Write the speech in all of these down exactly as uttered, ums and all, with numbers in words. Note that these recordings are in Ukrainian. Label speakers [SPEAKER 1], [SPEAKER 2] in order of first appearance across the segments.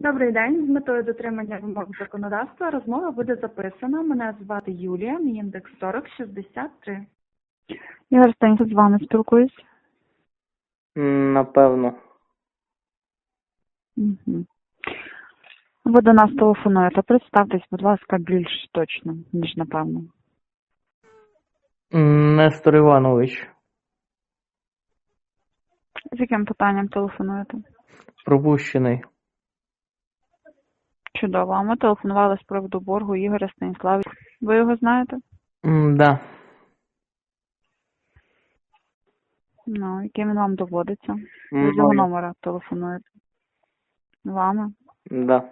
[SPEAKER 1] Добрий день. З метою дотримання вимог законодавства розмова буде записана. Мене звати Юлія, мій індекс сорок шістдесят три. Ігор Станіслав, з вами спілкуюсь.
[SPEAKER 2] М, Напевно.
[SPEAKER 1] Угу. Ви до нас телефонуєте. Представтесь, будь ласка, більш точно, ніж напевно.
[SPEAKER 2] М, Нестор Іванович.
[SPEAKER 1] З яким питанням телефонуєте?
[SPEAKER 2] Пропущений.
[SPEAKER 1] Чудово. А ми телефонували з приводу боргу Ігоря Станіславовича. Ви його знаєте?
[SPEAKER 2] М, Да.
[SPEAKER 1] Ну, яким він вам доводиться? Ви з його
[SPEAKER 2] Мною.
[SPEAKER 1] номера телефонуєте. Вами?
[SPEAKER 2] Да.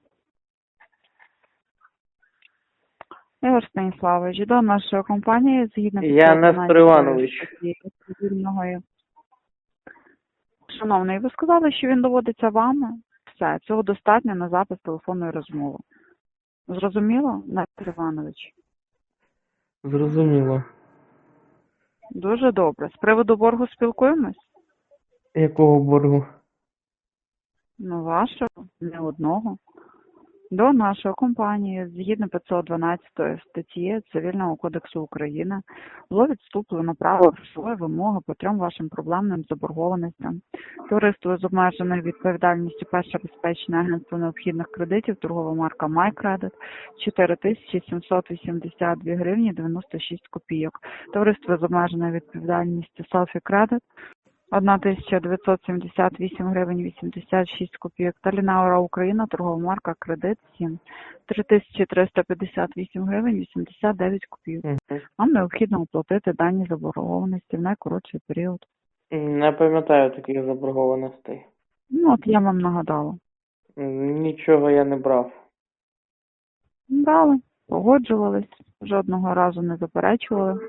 [SPEAKER 1] Ігор Станіславович, до нашої компанії, згідно
[SPEAKER 2] Я Нестор Іванович.
[SPEAKER 1] статті цивільного. Шановний, ви сказали, що він доводиться вами. Все, цього достатньо на запис телефонної розмови. Зрозуміло, Нестор Іванович?
[SPEAKER 2] Зрозуміло.
[SPEAKER 1] Дуже добре. З приводу боргу спілкуємось?
[SPEAKER 2] Якого боргу?
[SPEAKER 1] Ну, вашого, не одного. До нашої компанії, згідно п'ятсот дванадцятої статті Цивільного кодексу України, було відступлено право грошової вимоги по трьом вашим проблемним заборгованостям. Товариство з обмеженою відповідальністю «Перше безпечне агентство необхідних кредитів», торгова марка «MyCredit», чотири тисячі сімсот вісімдесят дві гривні дев'яносто шість копійок. Товариство з обмеженою відповідальністю «Selfie Credit», одна тисяча дев'ятсот сімдесят вісім гривень вісімдесят шість копійок. Та Лінаура Україна, торгова марка «Кредит сім», три тисячі триста п'ятдесят вісім гривень вісімдесят дев'ять копійок.
[SPEAKER 2] Мгм.
[SPEAKER 1] Вам необхідно оплатити дані заборгованості в найкоротший період.
[SPEAKER 2] М, Не пам'ятаю таких заборгованостей.
[SPEAKER 1] Ну, от я вам нагадала.
[SPEAKER 2] М, Нічого я не брав.
[SPEAKER 1] Брали, погоджувались, жодного разу не заперечували.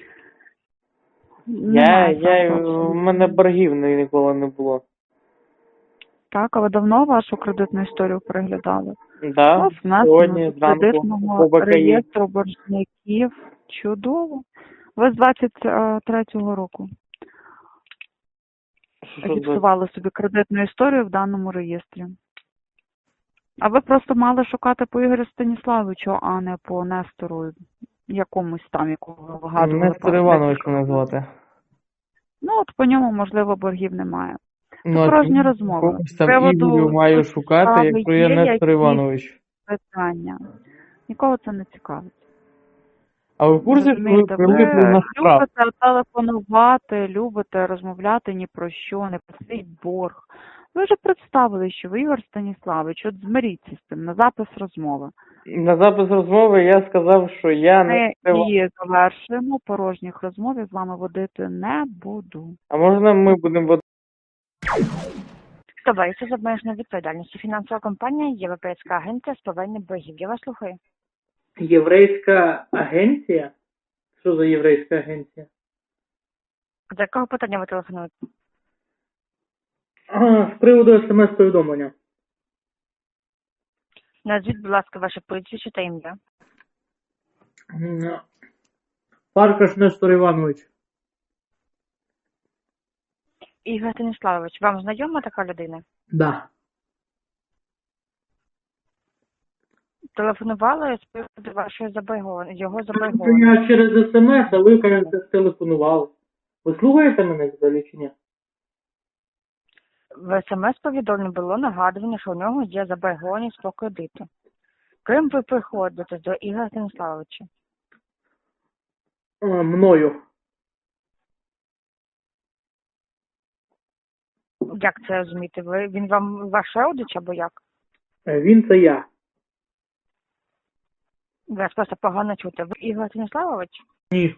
[SPEAKER 2] Я,
[SPEAKER 1] Немає
[SPEAKER 2] я,
[SPEAKER 1] сенсу
[SPEAKER 2] в
[SPEAKER 1] абсолютно.
[SPEAKER 2] мене боргів ні- ніколи не було.
[SPEAKER 1] Так, а ви давно вашу кредитну історію переглядали?
[SPEAKER 2] Да,
[SPEAKER 1] Вас внесено
[SPEAKER 2] сьогодні
[SPEAKER 1] до
[SPEAKER 2] зранку
[SPEAKER 1] кредитного
[SPEAKER 2] по БКІ.
[SPEAKER 1] реєстру боржників. Чудово. Ви з двадцять третього року
[SPEAKER 2] Що за-
[SPEAKER 1] фіксували собі кредитну історію в даному реєстрі. А ви просто мали шукати по Ігорю Станіславовичу, а не по Нестору якомусь там, якого ви вигадували.
[SPEAKER 2] Нестор
[SPEAKER 1] пару
[SPEAKER 2] Іванович
[SPEAKER 1] декілька
[SPEAKER 2] мене
[SPEAKER 1] разів.
[SPEAKER 2] звати.
[SPEAKER 1] Ну, от по ньому, можливо, боргів немає.
[SPEAKER 2] Ну,
[SPEAKER 1] Це
[SPEAKER 2] а
[SPEAKER 1] порожні
[SPEAKER 2] чому
[SPEAKER 1] розмови.
[SPEAKER 2] когось
[SPEAKER 1] З
[SPEAKER 2] там
[SPEAKER 1] приводу
[SPEAKER 2] Ігорю маю
[SPEAKER 1] суті
[SPEAKER 2] шукати,
[SPEAKER 1] справи
[SPEAKER 2] якщо я
[SPEAKER 1] є
[SPEAKER 2] Нестор
[SPEAKER 1] якісь
[SPEAKER 2] Іванович.
[SPEAKER 1] питання. Нікого це не цікавить.
[SPEAKER 2] А ви в курсі, що ви
[SPEAKER 1] Розумієте, ви
[SPEAKER 2] прилипли на штраф?
[SPEAKER 1] любите телефонувати, любите розмовляти ні про що, не про свій борг. Ви вже представили, що ви Ігор Станіславович, от змиріться з цим на запис розмови.
[SPEAKER 2] На запис розмови я сказав, що я не
[SPEAKER 1] Ми
[SPEAKER 2] скривав.
[SPEAKER 1] її завершуємо, порожніх розмов я з вами водити не буду.
[SPEAKER 2] А можна ми будемо вод-
[SPEAKER 3] Товариство з обмеженою відповідальністю. Фінансова компанія Європейська агенція з повернення боргів. Я вас слухаю.
[SPEAKER 2] Єврейська агенція? Що за єврейська агенція?
[SPEAKER 3] З якого питання ви телефонуєте?
[SPEAKER 2] А, з приводу смс-повідомлення.
[SPEAKER 3] Назвіть, будь ласка, ваше прізвище та ім'я.
[SPEAKER 2] М, Фаркаш Нестор Іванович.
[SPEAKER 3] Ігор Станіславович, вам знайома така людина?
[SPEAKER 2] Да.
[SPEAKER 3] Телефонували з приводу вашої заборгованості, його заборгованості.
[SPEAKER 2] Я через смс, а ви, кажете, телефонували. Ви слухаєте мене взагалі чи ні?
[SPEAKER 3] В смс-повідомленні було нагадування, що у нього є заборгованість по кредиту. Ким ви приходите до Ігоря Станіславовича?
[SPEAKER 2] А, мною.
[SPEAKER 3] Як це розуміти? Ви, він вам ваш родич або як?
[SPEAKER 2] Е, Він це я.
[SPEAKER 3] Вас просто погано чути. Ви Ігор Станіславович?
[SPEAKER 2] Ні.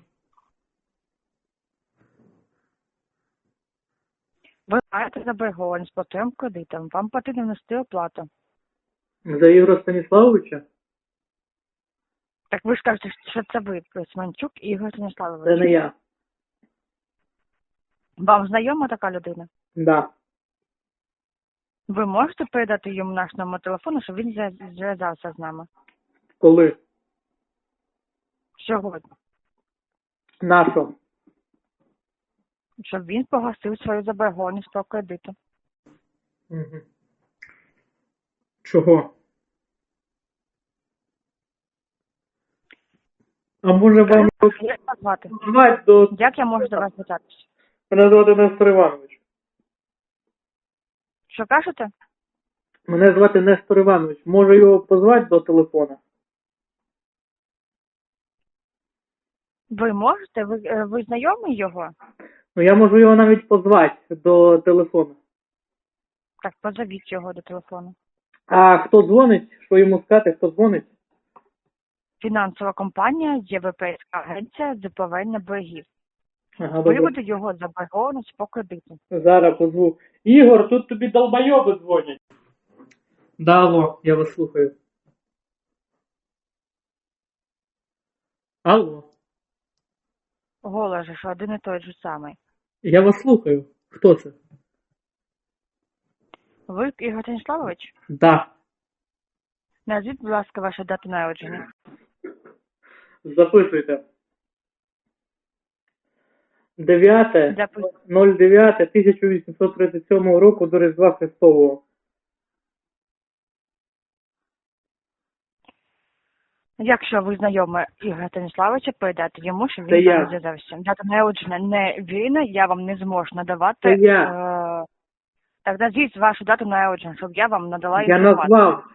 [SPEAKER 3] Ви маєте заборгованість по трьом кредитам. Вам потрібно внести оплату.
[SPEAKER 2] За Ігоря Станіславовича?
[SPEAKER 3] Так ви ж кажете, що це ви, Сманчук Ігор
[SPEAKER 2] Це
[SPEAKER 3] Станіславович.
[SPEAKER 2] не я.
[SPEAKER 3] Вам знайома така людина?
[SPEAKER 2] Да.
[SPEAKER 3] Ви можете передати йому наш номер телефону, щоб він зв'яз- зв'язався з нами?
[SPEAKER 2] Коли?
[SPEAKER 3] Сьогодні.
[SPEAKER 2] Нашо?
[SPEAKER 3] Щоб він погасив свою заборгованість по кредиту.
[SPEAKER 2] Угу. Чого? А може вам
[SPEAKER 3] Як вас звати?
[SPEAKER 2] звати до...
[SPEAKER 3] Як я можу до вас звертатися?
[SPEAKER 2] Мене звати Нестор Іванович.
[SPEAKER 3] Що кажете?
[SPEAKER 2] Мене звати Нестор Іванович. Може його позвати до телефона?
[SPEAKER 3] Ви можете? Ви, е, ви знайомий його?
[SPEAKER 2] Ну я можу його навіть позвати до телефону.
[SPEAKER 3] Так, позовіть його до телефону.
[SPEAKER 2] А хто дзвонить? Що йому сказати, хто дзвонить?
[SPEAKER 3] Фінансова компанія Європейська агенція з повернення боргів.
[SPEAKER 2] Ага, добре.
[SPEAKER 3] Виводу його заборгованість по кредиту.
[SPEAKER 2] Зараз позву. Ігор, тут тобі долбойоби дзвонять. Да, алло, я вас слухаю. Алло,
[SPEAKER 3] Голос же, що один і той же самий.
[SPEAKER 2] я вас слухаю. Хто це?
[SPEAKER 3] Ви Ігор Станіславович?
[SPEAKER 2] Да.
[SPEAKER 3] Назвіть, будь ласка, вашу дату народження.
[SPEAKER 2] Записуйте. дев'яте
[SPEAKER 3] Запис...
[SPEAKER 2] ноль дев'яте тисяча вісімсот тридцять сьомого року до Різдва Христового.
[SPEAKER 3] Якщо ви знайомі Ігоря Станіславовича, передайте йому, що
[SPEAKER 2] Це
[SPEAKER 3] він
[SPEAKER 2] я.
[SPEAKER 3] вам зв'язався. Дата народження не вірна, я вам не зможу надавати.
[SPEAKER 2] Це я.
[SPEAKER 3] Е... Так назвіть вашу дату народження, щоб я вам надала
[SPEAKER 2] Я
[SPEAKER 3] інформацію.
[SPEAKER 2] назвав.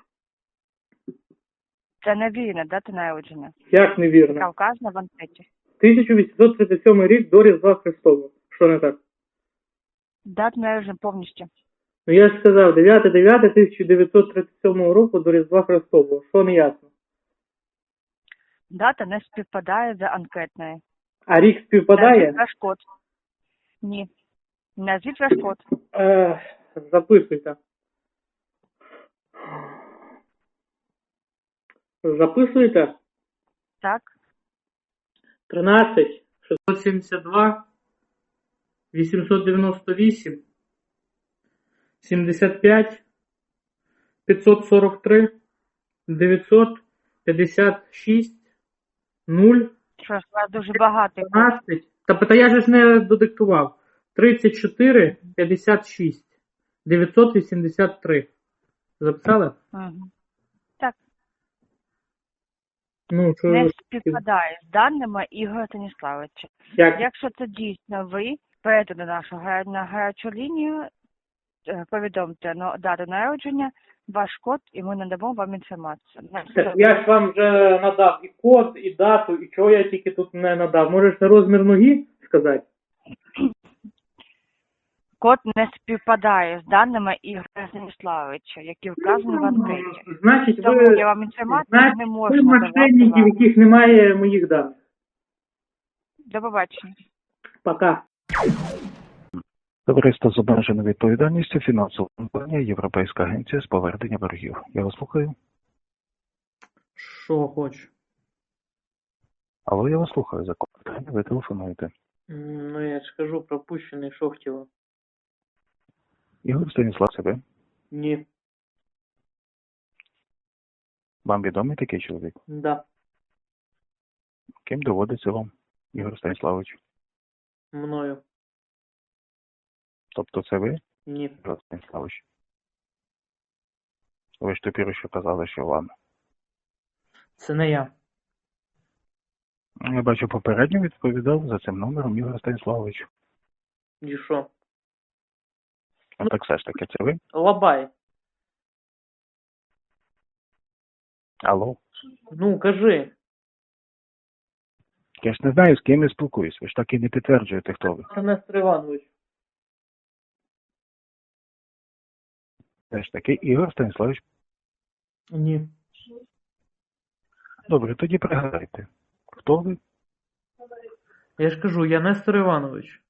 [SPEAKER 3] Це не вірна дата народження.
[SPEAKER 2] Як невірно?
[SPEAKER 3] Яка вказана в анкеті.
[SPEAKER 2] тисяча вісімсот тридцять сьомий рік до Різдва Христового. Що не так?
[SPEAKER 3] Дата народження повністю.
[SPEAKER 2] Ну я ж сказав, дев'яте дев'яте тисяча дев'ятсот тридцять сьомого року до Різдва Христового. Що не ясно?
[SPEAKER 3] Дата не співпадає з анкетною.
[SPEAKER 2] А рік співпадає?
[SPEAKER 3] Назвіть ваш код. Ні. Назвіть ваш код.
[SPEAKER 2] Е, записуйте. Записуйте.
[SPEAKER 3] Так.
[SPEAKER 2] тринадцять шістсот сімдесят два вісімсот дев'яносто вісім сімдесят п'ять п'ятсот сорок три дев'ятсот п'ятдесят шість нуль
[SPEAKER 3] Що ж, у вас дуже багатий код.
[SPEAKER 2] тринадцять. Та та я же ж не додиктував. тридцять чотири п'ятдесят шість дев'ятсот вісімдесят три. Записали?
[SPEAKER 3] Угу.
[SPEAKER 2] Ну, що
[SPEAKER 3] Не
[SPEAKER 2] ви-
[SPEAKER 3] співпадає з даними Ігоря Станіславовича.
[SPEAKER 2] як?
[SPEAKER 3] Якщо це дійсно ви, перейдете до нашу га- на гарячу лінію, е, повідомте ну, дату народження, ваш код, і ми надамо вам інформацію. На все.
[SPEAKER 2] Так я ж вам вже надав і код, і дату, і чого я тільки тут не надав. Можеш на розмір ноги сказати?
[SPEAKER 3] Код не співпадає з даними Ігоря Станіславовича, які вказані в анкеті.
[SPEAKER 2] Значить,
[SPEAKER 3] Тому
[SPEAKER 2] ви,
[SPEAKER 3] я вам інформацію
[SPEAKER 2] значить,
[SPEAKER 3] не
[SPEAKER 2] ви
[SPEAKER 3] можу надавати
[SPEAKER 2] мошенники, в
[SPEAKER 3] вам.
[SPEAKER 2] яких немає моїх даних.
[SPEAKER 3] До побачення.
[SPEAKER 2] Пока.
[SPEAKER 4] Товариство з обмеженою відповідальністю, фінансова компанія, Європейська агенція з повернення боргів. Я вас слухаю.
[SPEAKER 2] Що хоч?
[SPEAKER 4] Алло, я вас слухаю. За кого ви телефонуєте?
[SPEAKER 2] Ну, я ж кажу, пропущений, що хотіло.
[SPEAKER 4] Ігор Станіслав себе.
[SPEAKER 2] Ні.
[SPEAKER 4] Вам відомий такий чоловік?
[SPEAKER 2] Да.
[SPEAKER 4] Ким доводиться вам, Ігор Станіславович?
[SPEAKER 2] Мною.
[SPEAKER 4] Тобто це ви,
[SPEAKER 2] Ні.
[SPEAKER 4] Ігор Станіславович? Ви ж тепер що казали, що вам.
[SPEAKER 2] Це не я.
[SPEAKER 4] Я бачу, попередньо відповідав за цим номером Ігор Станіславович.
[SPEAKER 2] І що?
[SPEAKER 4] А так все ж таки, це ви?
[SPEAKER 2] Лабай.
[SPEAKER 4] Алло?
[SPEAKER 2] Ну, кажи.
[SPEAKER 4] Я ж не знаю, з ким я спілкуюсь. Ви ж так і не підтверджуєте, хто ви.
[SPEAKER 2] Це Нестор Іванович.
[SPEAKER 4] Все ж таки, Ігор Станіславович.
[SPEAKER 2] Ні.
[SPEAKER 4] Добре, тоді пригадайте. Хто ви?
[SPEAKER 2] Я ж кажу, я Нестор Іванович.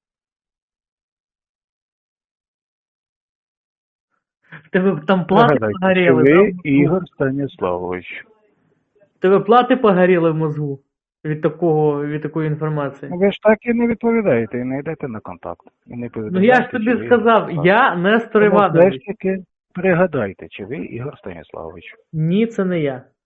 [SPEAKER 2] В тебе там плати
[SPEAKER 4] Пригадайте,
[SPEAKER 2] погоріли,
[SPEAKER 4] що ви
[SPEAKER 2] да?
[SPEAKER 4] Ігор Станіславович.
[SPEAKER 2] В тебе плати погоріли в мозгу від такого, від такої інформації.
[SPEAKER 4] Ви ж так і не відповідаєте, і не йдете на контакт. І не
[SPEAKER 2] Ну я ж тобі сказав, я Нестор
[SPEAKER 4] Тому все ж
[SPEAKER 2] Іванович.
[SPEAKER 4] таки пригадайте, чи ви Ігор Станіславович.
[SPEAKER 2] Ні, це не я.